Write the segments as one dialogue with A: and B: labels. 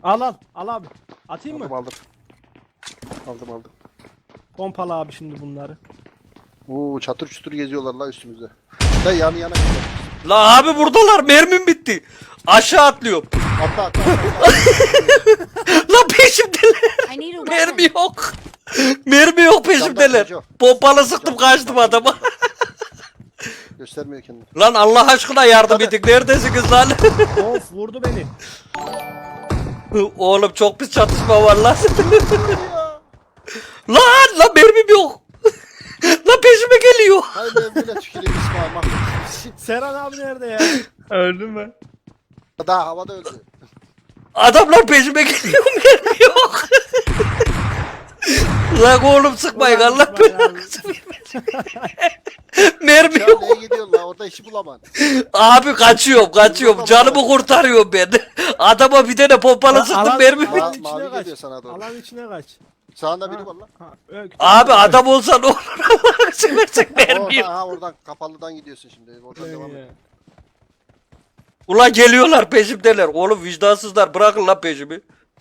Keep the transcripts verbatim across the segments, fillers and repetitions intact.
A: Al al al abi. Atayım
B: Aldım
A: mı?
B: aldım. Aldım aldım.
A: Pompalı abi şimdi bunları.
B: Oo çatır çutur geziyorlar la üstümüzde. Da yan yana gidiyor.
C: La abi buradalar, mermim bitti. Aşağı atlıyorum.
B: Atla atla. atla.
C: La peşimdeler.
D: I need a
C: Mermi
D: weapon.
C: yok. Mermi yok peşimdeler.
B: Camdan
C: Pompalı sıktım, kaçtım adama.
B: Göstermiyor kendini.
C: Lan Allah aşkına yardım edin. Neredesiniz lan?
A: Of vurdu beni.
C: Oğlum çok pis çatışma var lan. Lan lan mermim yok. Lan peşime geliyor.
B: Hayır ben böyle tüküreyim İsmail mahvet.
A: Serhan abi nerede ya?
E: Öldüm mü?
B: Daha havada öldü.
C: Adamlar peşime geliyor, mermi yok. Lan oğlum sıkmayın,
A: Ulan
C: Allah
A: İsmail abi.
C: belanızı vermesin. Mermi
B: Ya
C: yok.
B: neye gidiyorsun la orada işi bulamam.
C: Abi kaçıyorum kaçıyorum, canımı kurtarıyorum ben. Adama bir tane pompalı sıktım,
A: Alan-
C: mermi
A: alan
B: Ma-
A: içine
B: mavi
A: kaç.
B: geliyor sana doğru.
A: Alan içine kaç.
B: Sağında biri
A: Ha,
B: var la.
A: ha, öyle-
C: Abi adam olsa ne olur, Allah'ını seversen mermi
B: Oradan,
C: yok.
B: ha oradan kapalıdan gidiyorsun şimdi. Oradan
A: Öyle
B: devam
A: ya.
B: et.
C: Ulan geliyorlar peşimdeler. Oğlum vicdansızlar, bırakın lan peşimi.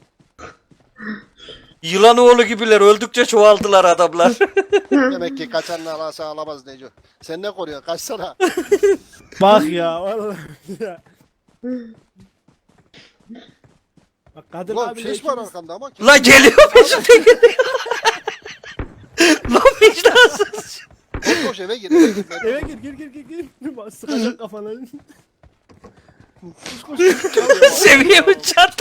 C: Yılan oğlu gibiler, öldükçe çoğaldılar adamlar.
B: Demek ki kaçanla alasa alamaz Neco. Sen ne koruyorsun? Kaçsana.
A: Bak ya vallahi ya. Bak Kadir
B: Ulan
A: abi
B: ses var arkanda ama. kim-
C: Lan geliyor peşimde geliyor. Lan vicdansız.
B: Koş koş eve gir. Eve gir. Ben-
A: Eve gir gir gir gir gir. Bak, sıkacak kafana.
C: Seviyemi çarptı.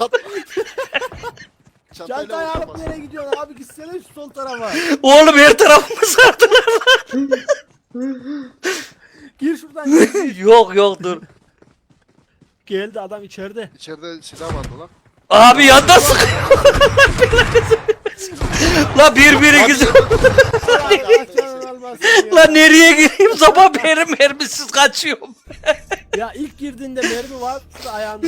B: Çantayla
A: Çantayı alıp
B: uğraşamaz.
A: nereye gidiyorsun abi, gitsene şu sol tarafa.
C: Oğlum her tarafımı sardılar lan.
A: Gir şuradan gir.
C: Yok yok dur.
A: Geldi adam içeride.
B: İçeride silah vardı lan.
C: Abi yanda sıkıyor. La birbirinizi.
A: Allah canını almasın ya.
C: La nereye gireyim? Sabah beri mermisiz kaçıyorum.
A: Ya ilk girdiğinde mermi var ayağında.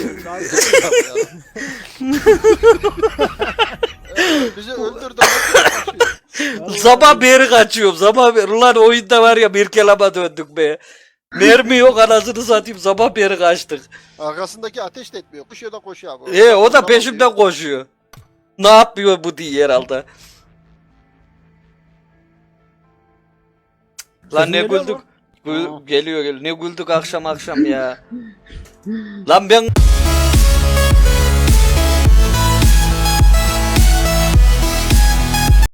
B: Bizi öldürdü.
C: Sabah beri kaçıyorum. Sabah beri. Ulan oyunda var ya, bir kelama döndük be. Mermi yok, anasını satayım. Sabah beri kaçtık.
B: Arkasındaki ateş de etmiyor. Koşuyor da koşuyor abi.
C: E o da
B: Tamam
C: peşimden
B: diyor.
C: koşuyor. Ne yapıyor bu diye herhalde. Lan ne
A: geliyor
C: güldük.
A: mu?
C: Gül- geliyor geliyor. Ne güldük akşam akşam ya. Lan ben